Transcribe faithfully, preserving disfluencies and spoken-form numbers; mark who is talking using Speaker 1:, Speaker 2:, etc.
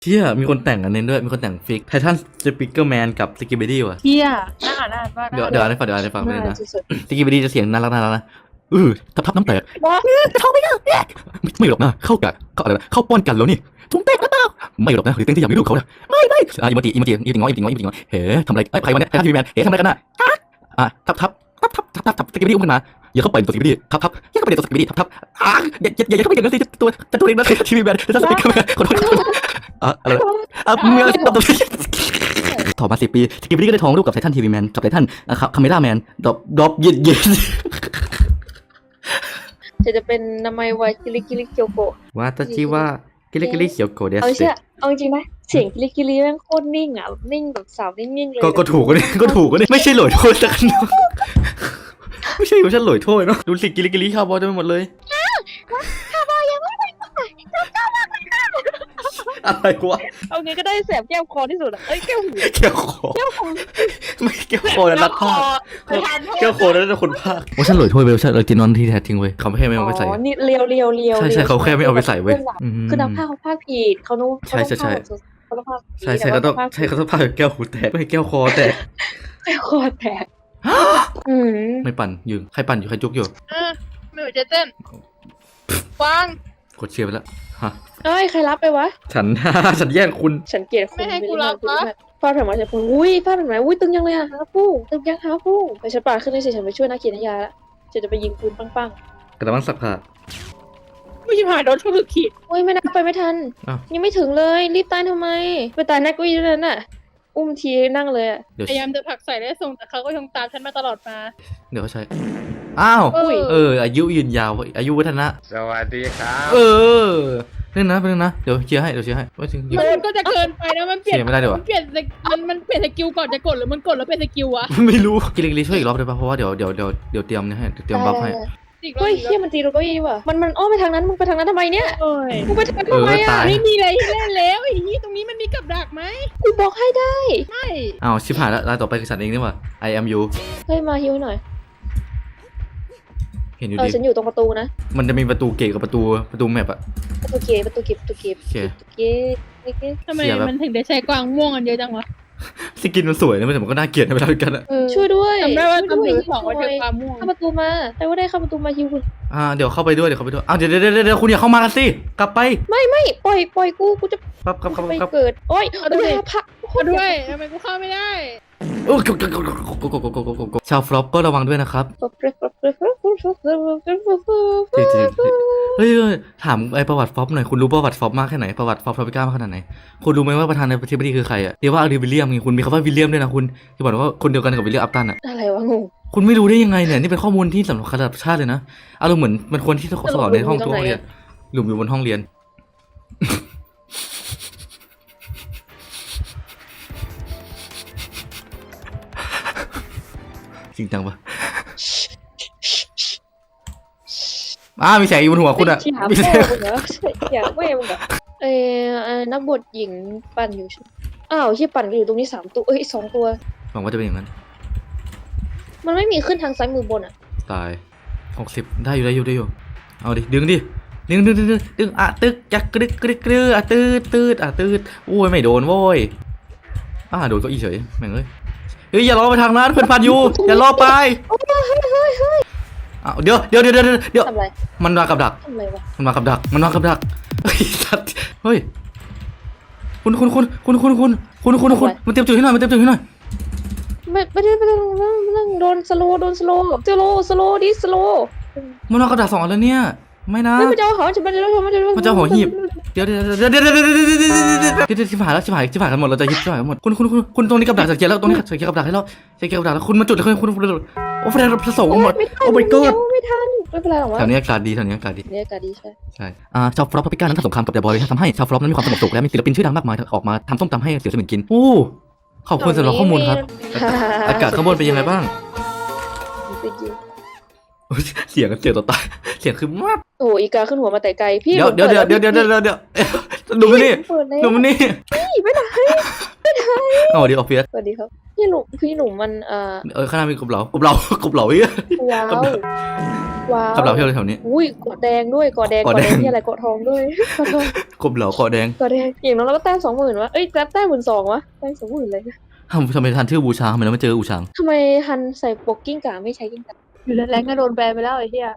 Speaker 1: เชี่ยมีคนแต่งอันนี้ด้วยมีคนแต่งฟิกไททันสปิเกอร์แมนกับสกิบบิดี้ว่ะ
Speaker 2: เฮียน่าอ่านน่าอ่านว่า
Speaker 1: เดี๋ยวเดี๋ยวอ่านให้ฟังเดี๋ยวอ่านให้ฟังไปเลยนะ
Speaker 2: สุด
Speaker 1: สกิบบิดี้จะเสียงน่ารักน่ารักนะเออทับทับน้ำแตก
Speaker 2: ๆว่า
Speaker 1: เข้าไม่ได้ไม่ไม่หรอกนะเข้ากันเข้าอะไรนะเข้าป้อนกันแล้วนี่ถุงแตกหรือเปล่าไม่หรอกนะหรือเต้นที่อยากมีลูกเขาเนี่ยไม่ไม่อ่ะอีโมจิอีโมจิอีโมจิง้อยอีโมจิง้อยอีโมจิง้อยเฮ้ทำอะไรไอ้ใครวะเนี่ยไททันทีวีแมนเฮ้ทำอะไรกันน่ะอ่ะทับทับทับทับทับทับทับสกิบบิดี้อุ้มขึ้นมาอย่าเข้าไปตัวสกิบบิดี้ทับทับอย่าเข้าไปตัวสกิบบิดี้ทับทับอ่ะอย่าอย่าอย่าเข้าไปอย่างนั้นสิตัวแต่ตัวเองนะทีวีแมนไททันสปิเกอร์แมนขอโทษอ่ะอะไรอ่ะเมื่อต่อมาสิบปีสกิบบิดี้ก็ได้ท้องลูกกับไททันทีวีแมนกับไททันคาเมล่าแมนดรอปดรอปเย็ดเย็ด
Speaker 2: จะจะเป็นนามัยวายกิริกิริเกียวโกะ
Speaker 1: วาตาชิวะกิริกิริเขียวโกเดส
Speaker 2: เอาเชื่อเอาจริงๆนะเสียงกิริกิริแม่งโคตรนิ่งอ่ะนิ่งแบบสาวนิ่งๆเลย
Speaker 1: ก็ก็ถูกก็นี่ก็ถูกก็นี่ไม่ใช่หลอยโทษสักน้องไม่ใช่ไม่ใช่หลอยโทษเนาะดูสิกิริกิริคาร์บอยเต็มไปหมดเลย
Speaker 2: คาร์บอยยังไม่ไป
Speaker 1: อะไรวะ
Speaker 2: เอาไงก็ได้แสบแก้วคอที่สุดอ่ะเอ้ยแก้วหู
Speaker 1: แก้วคอ
Speaker 2: แก้วคอ
Speaker 1: ไม่แก้วคอนะนักภาค
Speaker 2: ไปทานโทษ
Speaker 1: แก้วคอนั่นคนภาคโอ้ฉันหลอยโทษไปแล้วฉันเลยจีนอนที่แท้จริงเว้ยเขาแค่ไม่เอาไปใส่
Speaker 2: อ๋อนี่เลียวเลียวเลียว
Speaker 1: ใช่ใช่เขาแค่ไม่เอาไปใส่เว้ยอืม
Speaker 2: คือนักภาคเขาภาคผิดเขานู้
Speaker 1: ใช่ใช่ใช่
Speaker 2: เขาต้องภาคผิด
Speaker 1: ใช่ใช่เขาต้องใช่เขาต้องพาแก้วหูแตกไม่แก้วคอแตก
Speaker 2: แก้วคอแตกอืม
Speaker 1: ไม่ปั่นอยู่ใครปั่นอยู่ใครจุกอยู่
Speaker 3: อ่ะไม่ไหวจะเต้นวาง
Speaker 1: กดเชียร์ไปแล้วฮะ
Speaker 2: เอ้ยใครรับไปวะ
Speaker 1: ฉัน ฉันแย่งคุณ
Speaker 2: ฉันเกลียดคุณ
Speaker 3: ไม่ให้กูรับ
Speaker 2: ว
Speaker 3: วะ
Speaker 2: ฟาดแผ่นมาใส่คุณอุ้ยฟาดแผ่นมาอุ้ยตึงยังเลยอะฮาฟูตึงยังฮาฟูไปฉันปาดขึ้นเลยสิฉันไปช่วยนักเขียนนิยายละฉันจะไปยิงปืนปัง
Speaker 1: กระมังสักผ้า
Speaker 3: ไม่ใช่ผ่านโดนทุกขีด
Speaker 2: ๆอุ้ยไม่นับไปไม่ทัน
Speaker 1: อ้าว
Speaker 2: ยังไม่ถึงเลยรีบตายทำไมไปตายนักกุยนั่นน่ะอุ้มทีนั่งเลยอะ
Speaker 1: เดี๋ยว
Speaker 3: พยายามจะผลักใส่ได้ส่งแต่เขาก็ยังตามฉันมาตลอดมา
Speaker 1: เดี๋ยวเขาใช้อ้าว
Speaker 2: อุ้ย
Speaker 1: เอออายุยืนยาวอายุวัฒนะ
Speaker 4: สวัสดีครับ
Speaker 1: เออเรื่องนะเรื่องนะเดี๋ยวเชียร์ให้เดี๋ยวเชียร์ให้ว่าจริง
Speaker 3: มันก็จะเกินไปนะมันเปลี่ยน
Speaker 1: เสียไม่ได้ดีกว่า
Speaker 3: มันเปลี่ยนสกิมันมันเปลี่ยนสกิลก่อนจะกดหรือมันกดแล้วเป็นสกิลวะ
Speaker 1: ไม่รู้กิลิกิลิช่วยอีกรอบได้ป่ะเพราะว่าเดี๋ยวเดี๋ยวเดี๋ยวเดี๋ยวเตรียมนี่ให้เตรียมบัฟให้
Speaker 3: อีกรอบ
Speaker 2: เฮ้ย
Speaker 3: อีกร
Speaker 2: เฮีย
Speaker 3: อบ
Speaker 2: มันตีเราเก็ยี่ว่ะมันมันอ้อมไปทางนั้นมึงไปทางนั้นทำไมเนี่ย
Speaker 3: โอ้ย
Speaker 2: มึงไปทางนั้น
Speaker 1: เออ
Speaker 2: ทำไม
Speaker 1: ตา
Speaker 2: อะ
Speaker 1: ย
Speaker 3: ไม่มีอะไรให้เล่นแล้วไอ้นี่ตรงนี้มันมีกับดักไหม
Speaker 2: กูบอกให้ได้
Speaker 3: ไม่
Speaker 1: อ้าวชิบหายแล้วรายต่อไปคือฉันเองนี่หว่า I am you
Speaker 2: เฮ้ยมาฮิวหน่อย
Speaker 1: เห็นอยู่
Speaker 2: เออ
Speaker 1: ดี
Speaker 2: ฉันอยู่ตรงประตูนะ
Speaker 1: มันจะมีประตูเกตกับประตูประตูแมปอะ
Speaker 2: ประตูเกตประตูเก็บประตูเก็บ
Speaker 1: โอเค
Speaker 2: ประตูเกตประตูเกต
Speaker 3: ทำไม
Speaker 1: เสียแบบ
Speaker 3: มันถึงได้ใช้กวางม่วงกันเยอะจังวะ
Speaker 1: สกินมันสวยนะแต่มันก็น่าเกลียดในเวลาเดียวกันอะ
Speaker 2: ช่วยด้วย
Speaker 3: จำได้ว่า
Speaker 2: ช่วย
Speaker 3: ตำร
Speaker 2: ด้
Speaker 3: ว
Speaker 2: วย
Speaker 3: จบอกว่าเจอความม่วง
Speaker 2: เข้าประตูมาแต่ว่าได้เข้าประตูมาฮิวคุณ
Speaker 1: อ่าเดี๋ยวเข้าไปด้วยเดี๋ยวเข้าไปด้วยอ้าวเดี๋ยวเดี๋ยวเดี๋ยวเดี๋ยวคุณอย่าเข้ามากันสิกลับไป
Speaker 2: ไม่ไม่ปล่อยปล่อยกูกูจะ
Speaker 1: ครับครับครับ
Speaker 2: ไป
Speaker 1: ครับ
Speaker 2: เกิดโอ้ยเอาด้วยพระ
Speaker 3: มาด้วยทำไมกูเข้าไม่ได้
Speaker 1: โอ้ยชาวฟลอปก็ระวังด้วยนะครับจริงจริงเฮ้ยถามไอประวัติฟลอปหน่อยคุณรู้ประวัติฟลอปมากแค่ไหนประวัติฟลอปทอปิก้ามากขนาดไหนคุณรู้ไหมว่าประธานาธิบดีคือใครอะเรียกว่าอาริวิลเลียมไงคุณมีคำว่าวิลเลียมด้วยนะคุณที่บอกว่าคนเดียวกันกับวิลเลียมอัปตันอะ
Speaker 2: อะไรวะงง
Speaker 1: คุณไม่รู้ได้ยังไงเนี่ยนี่เป็นข้อมูลที่สำคัญระดับชาติเลยนะอารมณ์เหมือนมันคนที่สอนในห้องทุกห้องเรียนหลุมอยู่บนห้องเรียนจริงจังปะอ้ามีแสงอยู่บนหัวคุณอะ
Speaker 2: ที่หา
Speaker 1: มี
Speaker 2: แม่
Speaker 1: แสง
Speaker 2: มึงเหรออยากแม่มึงเหรอเออนักบทหญิงปั่นอยู่ใช่อ้าวที่ปั่นอยู่ตรงนี้สามตัวเอ้ยสองตัว
Speaker 1: หวังว่าจะเป็นอย่างนั้น
Speaker 2: มันไม่มีขึ้นทางซ้ายมือบนอ่ะ
Speaker 1: ตายหกสิบได้อยู่ได้อยู่ได้อยู่เอาดิดึงดิดึงดึงดึงดึงดึงอ่ะตึกจักกรึกกรึกกรึกอ่ะตืดตืดอ่ะตืดโอ้ยไม่โดนโว้ยอ่ะโดนก็อีเฉยแม่งเอ้ยเฮ้ยอย่าล้อไปทางนั้นเพื่อนพันอยู่อย่าล้อไปอ้าวเดี๋ยวเดี๋ยวเดี๋ยวเดี๋ยวเดี๋ยว
Speaker 2: ทำไร
Speaker 1: มันมากับดัก
Speaker 2: ทำไรวะ
Speaker 1: มันมากับดักมันมากับดักเฮ้ยสัตว์เฮ้ยคุณคุณคุณคุณคุณคุณคุณคุณคุณมันเตรียมจุดให้หน่อยมันเตรียมจุดให้หน่อย
Speaker 2: ไม่ไม่ได้ไม่ต้องไม่ต้องไม่ต้องโดนสโลโดนสโลสโลสโลดิสโล
Speaker 1: มันมากับดักสองอันแล้วเนี่ยไม่นะ
Speaker 2: ไม่มันจะเอาหอจะมันจะเอามันจะ
Speaker 1: มันจะเอาหัวหีบ เดี๋ยวเดี๋ยวเดี๋ยวเดี๋ยวเดี๋ยวเดี๋ยวเดี๋ยวเดี๋ยวเดี๋ยวเดี๋ยวชิบหายแล้วชิบหายชิบหายกันหมดเราจะยิบชิบหายกันหมดคุณคุณคุณคุณตรงนี้กับดักจากเกียร์แล้วตรงนี้จากเกียร์กับดักให้เราจากเกียร์กับดักแล้วคุณมาจุดเลยคุณคุณโอ้แฟนเราผสมกันหมดโอ้ my god
Speaker 2: ไม่ทันไม่เป็นไรหรอกวะ
Speaker 1: แถวนี้อากาศดีแถวนี้อากาศดี
Speaker 2: เนี่ยอากาศดีใช่
Speaker 1: ใช่อ่าชาวฟลอปพับปิก้านั้นทำสงครามกับเดอะบอยทำให้ชาวฟลอปนั้นมีความสงบสุขและมีศิลปินชื่อดังมากมายออกมาทำส้มตำให้เสี่ยวสมิงกินโอ้ขอบคุณสำหรับข้อมูลครับอากาศข้างบนเป็นยังไงบ้างเสียงเสียงต่อตายเสียงคือมาก
Speaker 2: โอ้อีกาขึ้นหัวมาแต่ไกลพี่
Speaker 1: เดี๋ยวเดี๋ยวเดี๋ยวเดี๋ยวเดี๋ยวเดี๋ยวดูมันนี่ดูมันนี่
Speaker 2: ไปไหน
Speaker 1: เอาดีออฟฟิศ
Speaker 2: สวัสดีครับพี่หนุ่มพี่หนุ่มมันเอ่อ
Speaker 1: เออข้างหน้ามีกบเหลากบเหลากบเหลาอีก
Speaker 2: ว้าวว้าว
Speaker 1: กบเหลาเที่ยวแถวนี้
Speaker 2: อุ้ยเกาะแดงด้วยเกาะแดง
Speaker 1: เกาะ
Speaker 2: เกาะ
Speaker 1: แด
Speaker 2: แด
Speaker 1: ง
Speaker 2: งที่อะไรเกาะทองด้วยเกาะทอง
Speaker 1: กบเหลาคอแดง
Speaker 2: เกาะแดงอย่างน้อยเราก็แต้มสองหมื่นวะเอ้ยแต้มแต้มหมื่นสองวะแต้มสองหมื่นเลย
Speaker 1: ทำทำไมทันชื่อบูชาทำไมเราไม่เจออูชาง
Speaker 2: ทำไมฮันใส่ปกกิ้งก่าไม่ใช้กิ้งก่าอยู่แล้วแรงก็โดนแบนไปแล้วไอ้เหี้ย